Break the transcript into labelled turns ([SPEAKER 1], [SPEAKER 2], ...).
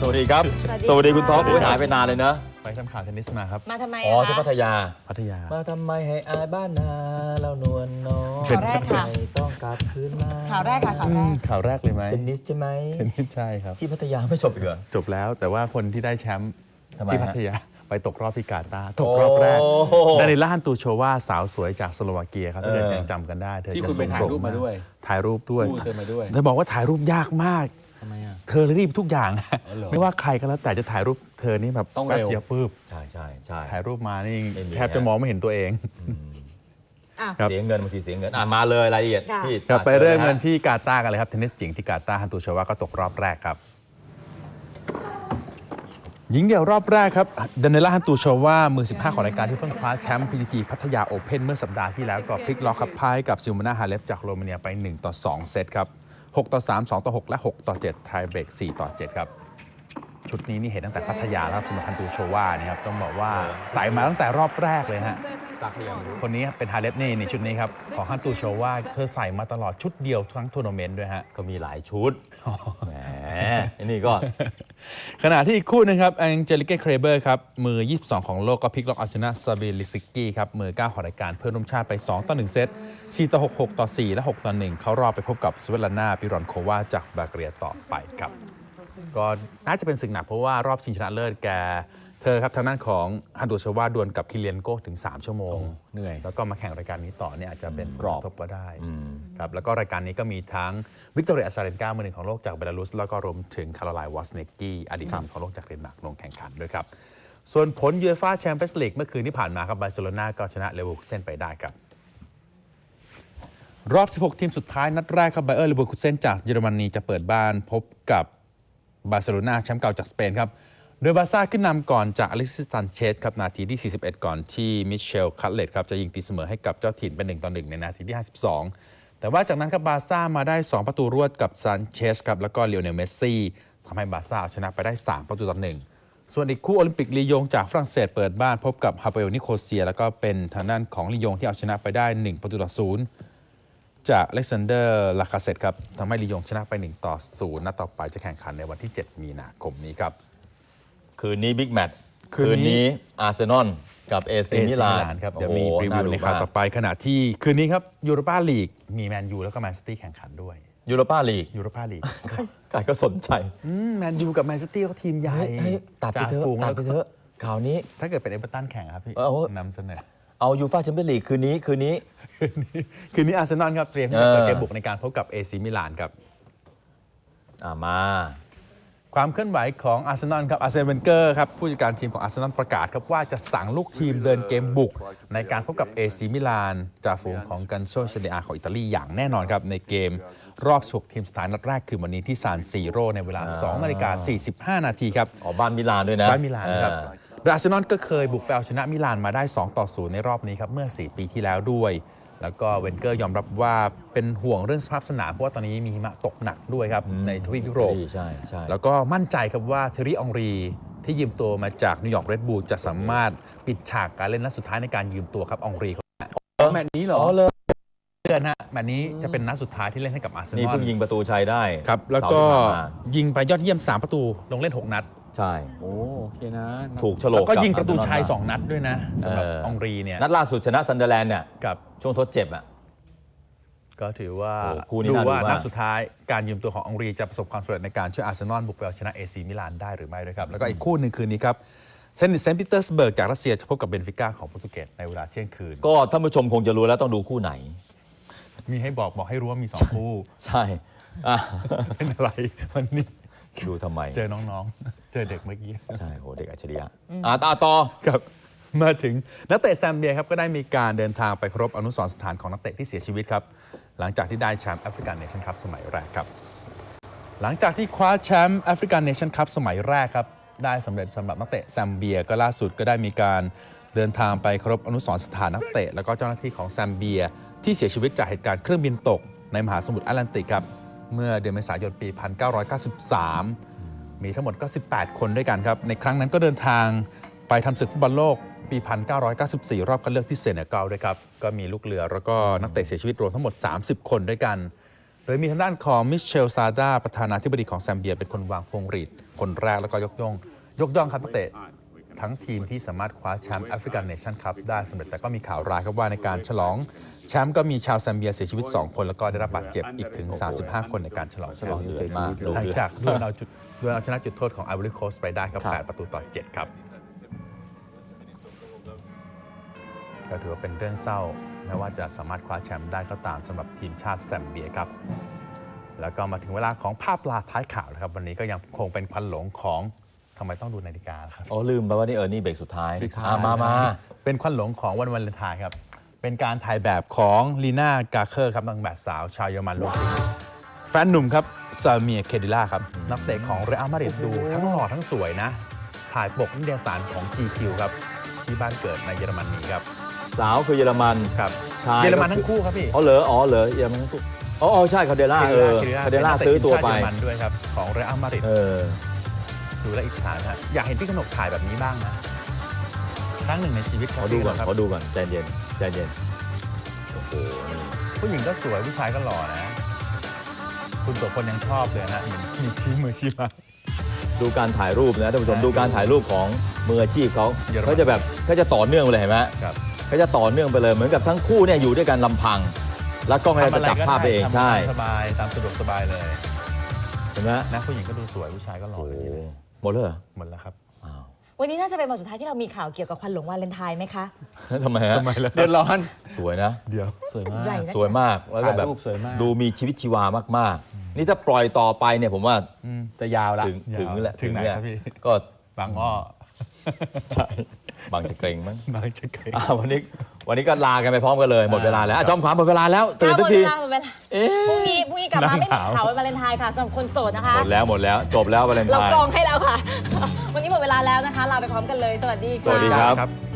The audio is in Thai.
[SPEAKER 1] สวัสดีครับสวัสดีคุณท็อปหายไปนานเลยเนอะ
[SPEAKER 2] ไปทำข่าวเทนนิสมาครับ
[SPEAKER 3] มาทำไม
[SPEAKER 1] อ๋อที่พัทยามาทำไมให้อายบ้านนาเรานวลน้อง
[SPEAKER 3] ข่าวแรกค่ะ
[SPEAKER 1] ต้องกลับคืนมา
[SPEAKER 3] ข่าวแรกค่ะ
[SPEAKER 2] ข่าวแรกเลยไหม
[SPEAKER 1] เทนนิสใช่ไหม
[SPEAKER 2] เทนนิสใช่ครับ
[SPEAKER 1] ที่พัทยาไม่จบอีกเหรอ
[SPEAKER 2] จบแล้วแต่ว่าคนที่ได้แชมป์ที่พัทยาไปตกรอบที่กาตาร์ตก
[SPEAKER 1] โอ้
[SPEAKER 2] รอบแรกดานิล่าฮันตูโชวาสาวสวยจากสโลวาเกียครับถ้าเกิดยังจำกันได้เธอ
[SPEAKER 4] ที่
[SPEAKER 2] จะ
[SPEAKER 4] คุณไปถ่ายรูปมาด้วย
[SPEAKER 2] ถ่ายรูปด้วย
[SPEAKER 4] คู่เธอมาด้วย
[SPEAKER 2] เธอบอกว่าถ่ายรูปยากมาก
[SPEAKER 4] ทำไมอ่ะ
[SPEAKER 2] เธอรีบทุกอย่าง
[SPEAKER 4] เหรอ
[SPEAKER 2] ไม่ว่าใครก็แล้วแต่จะถ่ายรูปเธอนี่แบบ
[SPEAKER 4] ต้อง
[SPEAKER 2] แป๊บ
[SPEAKER 4] เร็ว
[SPEAKER 2] เดียวปุ๊บ
[SPEAKER 1] ใช่
[SPEAKER 2] ถ่ายรูปมานี่
[SPEAKER 1] ไม่มี
[SPEAKER 2] แทบจะมองไม่เห็นตัวเอง ครับ
[SPEAKER 1] เสียเงินบางทีเสียเงินมาเลยรายละเอียดที่
[SPEAKER 2] ครับไปเริ่มกันที่กาตาร์กันเลยครับเทนนิสหญิงที่กาตาร์ฮันตูโชวาก็ตกรอบแรกครับหญิงเดี่ยวรอบแรกครับดานิล่าฮันตูโชวามือ 15 ของรายการที่เพิ่งคว้าแชมป์ PTT พัทยาโอเพ่นเมื่อสัปดาห์ที่แล้วก็พลิกล็อกครับพ่ายกับซิลมานาฮาเลฟจากโรมาเนียไป1-2 เซตครับ6-3 2-6 และ6-7 ไทยเบรก4-7 ครับชุดนี้นี่เห็นตั้งแต่พัทยาแล้วสำหรับฮันตูโชวานี่ครับต้องบอกว่าใส่มาตั้งแต่รอบแรกเลยฮะคนนี้เป็นฮาเลฟนี่ชุดนี้ครับของฮันตูโชวาเธอใส่มาตลอดชุดเดียวทั้งทัวร์นาเมนต์ด้วยฮะ
[SPEAKER 1] ก็มีหลายชุดแหมนี่ก็
[SPEAKER 2] ขณะที่อีกคู่นึงครับแองเจลิเก้เครเบอร์ครับมือ 22 ของโลกก็พลิกล็อกเอาชนะซาเบลิซิกกี้ครับมือ 9 ของรายการเพื่อนร่วมชาติไป 2-1 เซต 4-6 6-4 และ 6-1 เขารอบไปพบกับสเวตลานาปิรอนโควาจากบาเกเรียต่อไปครับก็น่าจะเป็นศึกหนักเพราะว่ารอบชิงชนะเลิศเธอครับทางด้านของฮันตูโชวาดวลกับคิเลียนโก้ถึง3 ชั่วโมง
[SPEAKER 1] เหนื่อย
[SPEAKER 2] แล้วก็มาแข่งรายการนี้ต่อเนี่ยอาจจะเป็นกรอบทบก็ได้ครับแล้วก็รายการนี้ก็มีทั้งวิกตอเรียอาซาเรนกามือหนึ่งของโลกจากเบลารุสแล้วก็รวมถึงคาโรไลน์วอสเนกกี้อดีตมือหนึ่งของโลกจากเดนมาร์กลงแข่งขันด้วยครับส่วนผลยูเอฟ่าแชมเปี้ยนส์ลีกเมื่อคืนที่ผ่านมาครับบาร์เซโลนาก็ชนะเลเวอร์คูเซ่นไปได้ครับรอบ 16 ทีมสุดท้ายนัดแรกครับไบเออร์เลเวอร์คูเซ่นจากเยอรมนีจะเปิดบ้านพบกับบาร์เซโลนาแชมป์เก่าจากสเปนครับโดยบาร์ซ่าขึ้นนำก่อนจากอเล็กซิส ซันเชสครับนาทีที่ 41 ก่อนที่มิเชล คัตเลตครับจะยิงตีเสมอให้กับเจ้าถิ่นเป็น1-1 ในนาทีที่ 52 แต่ว่าจากนั้นครับบาร์ซ่ามาได้ 2 ประตูรวดกับซันเชสครับแล้วก็เลโอเนล เมสซี่ทำให้บาร์ซ่าเอาชนะไปได้ 3-1 ส่วนอีกคู่โอลิมปิกลียงจากฝรั่งเศสเปิดบ้านพบกับฮาเปลนิโคเซียแล้วก็เป็นทางด้านของลียงที่เอาชนะไปได้ 1-0 จากอเล็กซานเดอร์ ลาคาเซตครับทำให้ลียงชนะไป 1-0 นัดต่อไปจะแข่งขันในวันที่ 7 มีนาคมนี้ครับ
[SPEAKER 1] คืนนี้บิ๊กแมตช์
[SPEAKER 2] คืนนี้
[SPEAKER 1] อาร์เซนอลกับเอซีมิลาน
[SPEAKER 2] ครับเดี๋ยวมีรีวิวในข่าวต่อไปขณะที่คืนนี้ครับยูโรปาลีกมีแมนยูแล้วก็แมนซิตี้แข่งขันด้วย
[SPEAKER 1] ยูโรปาลีกใครก็สนใจ
[SPEAKER 2] แมนยูกับแมนซิตี้ก็ทีมใหญ่
[SPEAKER 1] ตัดไปเถอะข่าวนี้
[SPEAKER 2] ถ้าเกิดเป็นเอเวอร์ตันแข่งครับพี่นำเสนอ
[SPEAKER 1] เอายูฟ่าแชมเปี้ยนลีกคืนนี้
[SPEAKER 2] อาร์เซนอลครับเตรียมที่จะเปิดเกมบุกในการพบกับเอซีมิลานครับ
[SPEAKER 1] มา
[SPEAKER 2] ความเคลื่อนไหวของอาร์เซนอลครับอาร์เซนเวนเกอร์ครับผู้จัดการทีมของอาร์เซนอลประกาศครับว่าจะสั่งลูกทีมเดินเกมบุกในการพบกับเอซีมิลานจ่าฝูงของกันโชเชเนียของอิตาลีอย่างแน่นอนครับในเกมรอบ16ทีมสุดท้ายนัดแรกคือวันนี้ที่ซานซีโร่ในเวลา 2:45 นาทีครับ
[SPEAKER 1] บ้านมิลานด้วยนะ
[SPEAKER 2] บ้านมิลานครับโดยอาร์เซนอลก็เคยบุกไปเอาชนะมิลานมาได้ 2-0 ในรอบนี้ครับเมื่อ4 ปีที่แล้วด้วยแล้วก็เวนเกอร์ยอมรับว่าเป็นห่วงเรื่องสภาพสนามเพราะว่าตอนนี้มีหิมะตกหนักด้วยครับในทวีปยุโรป
[SPEAKER 1] ใช่
[SPEAKER 2] แล้วก็มั่นใจครับว่าเทอรี่ อองรีที่ยืมตัวมาจากนิวยอร์กเรดบูลจะสามารถปิดฉากการเล่นนัดสุดท้ายในการยืมตัวครับอองรี
[SPEAKER 4] แมตช์นี้เหรอ
[SPEAKER 2] เลยเดือนฮะแมตช์นี้จะเป็นนัดสุดท้ายที่เล่นให้กับอาร์เซนอล
[SPEAKER 1] นี่เพิ่งยิงประตูชัยได้
[SPEAKER 2] ครับแล้วก็ยิงไปยอดเยี่ยม3 ประตูลงเล่น6 นัด
[SPEAKER 1] ใช่
[SPEAKER 4] โอเคนะ
[SPEAKER 1] ถูกโฉลก
[SPEAKER 2] แล้วก็ยิงประตูชัย2 นัดด้วยนะสำหรับอองรีเนี่ย
[SPEAKER 1] นัดล่าสุดชนะซันเดอร์แลนด์เนี่ย
[SPEAKER 2] กับ
[SPEAKER 1] ช่วงทดเจ็บ
[SPEAKER 2] ก็ถือว่าดูว่านัดสุดท้ายการยืมตัวของอองรีจะประสบความสำเร็จในการช่วยอาร์เซนอลบุกไปเอาชนะเอซีมิลานได้หรือไม่ด้วยครับแล้วก็อีกคู่หนึ่งคืนนี้ครับเซนต์ปีเตอร์สเบิร์กจากรัสเซียจะพบกับเบนฟิก้าของโปรตุเกสในเวลาเที่ยงคืน
[SPEAKER 1] ก็ท่านผู้ชมคงจะรู้แล้วต้องดูคู่ไหน
[SPEAKER 2] มีให้บอกให้รู้ว่ามี2 คู่
[SPEAKER 1] ใช่
[SPEAKER 2] เป็นอะไรวันนี้
[SPEAKER 1] ดูทำไม
[SPEAKER 2] เจอน้องๆเจอเด็กเมื่อกี้
[SPEAKER 1] ใช่โหเด็กอัจฉริยะต่อ
[SPEAKER 2] ครับมาถึงนักเตะแซมเบียครับก็ได้มีการเดินทางไปเคารพอนุสรณ์สถานของนักเตะที่เสียชีวิตครับหลังจากที่ได้แชมป์แอฟริกันเนชั่นคัพสมัยแรกครับหลังจากที่คว้าแชมป์แอฟริกันเนชั่นคัพสมัยแรกครับได้สำเร็จสำหรับนักเตะแซมเบียก็ล่าสุดก็ได้มีการเดินทางไปเคารพอนุสรณ์สถานนักเตะแล้วก็เจ้าหน้าที่ของแซมเบียที่เสียชีวิตจากเหตุการณ์เครื่องบินตกในมหาสมุทรแอตแลนติกครับเมื่อเดือนเมษายนปี 1993 มีทั้งหมดก็18 คนด้วยกันครับในครั้งนั้นก็เดินทางไปทำศึกฟุตบอลโลกปี 1994 รอบคัดเลือกที่เซเนกัลด้วยครับก็มีลูกเรือแล้วก็นักเตะเสียชีวิตรวมทั้งหมด30 คนด้วยกันโดยมีทางด้านของมิเชลซาดาประธานาธิบดีของแซมเบียเป็นคนวางพวงหรีดคนแรกแล้วก็ยกย่องครับนักเตะทั้งทีมที่สามารถคว้าแชมป์แอฟริกันเนชั่นคัพได้สำเร็จแต่ก็มีข่าวร้ายครับว่าในการฉลองแชมป์ก็มีชาวแซมเบียเสียชีวิต2คนแล้วก็ได้รับบาดเจ็บอีกถึง35คนในการฉลองแชมป์
[SPEAKER 4] เดือดมาก
[SPEAKER 2] หลังจากดวลเอาชนะจุดโทษของไอวอรี่โคสต์ไปได้ครับ8-7ครับก็ถือว่าเป็นเรื่องเศร้าแม้ว่าจะสามารถคว้าแชมป์ได้ก็ตามสำหรับทีมชาติแซมเบียครับแล้วก็มาถึงเวลาของภาพปลาท้ายข่าวนะครับวันนี้ก็ยังคงเป็นควันหลงของทำไมต้องดูนาฬิกาครับ
[SPEAKER 1] อ๋อลืมไปว่านี่เบรกสุดท้าย
[SPEAKER 2] สุดท้าย
[SPEAKER 1] มา
[SPEAKER 2] เป็นควันหลงของวันวาเลนไทน์ครับเป็นการถ่ายแบบของลีน่ากาเคอร์ครับนางแบบสาวชาวเยอรมันลงทุนแฟนหนุ่มครับซาเมียเคดิล่าครับนักเตะของเรอัลมาดริดดูทั้งหล่อทั้งสวยนะถ่ายปกนิตยสารของ GQ ครับที่บ้านเกิดในเยอรมนีครับ
[SPEAKER 1] สาวคือเยอรมัน
[SPEAKER 2] ครับ
[SPEAKER 1] ชาย
[SPEAKER 2] เยอรมันทั้งคู่ครับพี่
[SPEAKER 1] อ๋อเหรอเยอรมันทั้งคู่อ๋อใช่คาเดล่าคาเดล่าซื้อตัวไป
[SPEAKER 2] เป็นนักเตะทีมชาติเยอรมันด้วยครับของเรอัลมาดริด ดูแลวอิจฉานะอยากเห็นพี่กนกถ่ายแบบนี้บ้างนะครั้งหนึ่งในชีวิต
[SPEAKER 1] ขอดูก่อน
[SPEAKER 2] ครับ
[SPEAKER 1] ใจเย็นโอ้โห
[SPEAKER 2] ผู้หญิงก็สวยผู้ชายก็หล่อนะ คุณโสพลยังชอบเลยนะเหมือนมีชี้มือชี้ไม้
[SPEAKER 1] ดูการถ่ายรูปนะท่านผู้ชม
[SPEAKER 2] ใช่
[SPEAKER 1] ดูการถ่ายรูปของมืออาชีพเขา
[SPEAKER 2] เยอรมัน
[SPEAKER 1] เขาจะต่อเนื่องไปเลยเห็นไหม
[SPEAKER 2] ครับ
[SPEAKER 1] เขาจะต่อเนื่องไปเลยเหมือนกับทั้งคู่เนี่ยอยู่ด้วยกันลำพัง แล้วกล้องอะไรจะจับภาพไปเองใช่
[SPEAKER 2] ทำสบายตามสะดวกสบายเลย
[SPEAKER 1] เห็นไหม
[SPEAKER 2] นะผู้หญิงก็ดูสวยผู้ชายก็หล่อ
[SPEAKER 1] โอ้
[SPEAKER 2] เลยทีเดียว
[SPEAKER 1] หมดเลยเหรอ
[SPEAKER 2] หมดแล้วครับ
[SPEAKER 1] อ้าว
[SPEAKER 3] วันนี้น่าจะเป็นวันสุดท้ายที่เรามีข่าวเกี่ยวกับควันหลงวาเลนไทน์ไหมคะ
[SPEAKER 1] ทำไมฮะ
[SPEAKER 2] เดือดร้อน
[SPEAKER 1] สวยนะ
[SPEAKER 2] เดี๋ยว
[SPEAKER 4] สวยมาก
[SPEAKER 3] ใหญ่นะ
[SPEAKER 1] สวยมากแล้วก็แบบ
[SPEAKER 4] ถ่ายรูปสวยมาก
[SPEAKER 1] ดูมีชีวิตชีวามากๆ นี่ถ้าปล่อยต่อไปเนี่ยผมว่า
[SPEAKER 4] จะยาวละ
[SPEAKER 1] ถึงแหละ
[SPEAKER 2] ถึงไหน
[SPEAKER 1] เนี่ย
[SPEAKER 2] ครับพี่
[SPEAKER 1] ก็
[SPEAKER 2] บางอ้อ
[SPEAKER 1] ใช่บางจะเกรงมั้ง
[SPEAKER 2] บางจะเกรง
[SPEAKER 1] วันนี้ก็ลากันไปพร้อมกันเลยหมดเวลาแล้วจอมขวัญหมดเวลาแล้วตื่น
[SPEAKER 3] ห
[SPEAKER 1] ทุ
[SPEAKER 3] ม
[SPEAKER 1] ก
[SPEAKER 3] ด
[SPEAKER 1] ที
[SPEAKER 3] เวลาหมดเวลาพรุ่งนี้กลับมาไม่มีข่าววันวาเลนไทน์ค่ะสำหรับคนโสดนะคะ
[SPEAKER 1] หมดแล้วจบแล้ววาเลนไท
[SPEAKER 3] เรา
[SPEAKER 1] น์
[SPEAKER 3] กรองให้แล้วค่ะ วันนี้หมดเวลาแล้วนะคะลาไปพร้อมกันเลย สวัสดีค่ะ
[SPEAKER 1] สวัสดีครับ
[SPEAKER 2] ครับ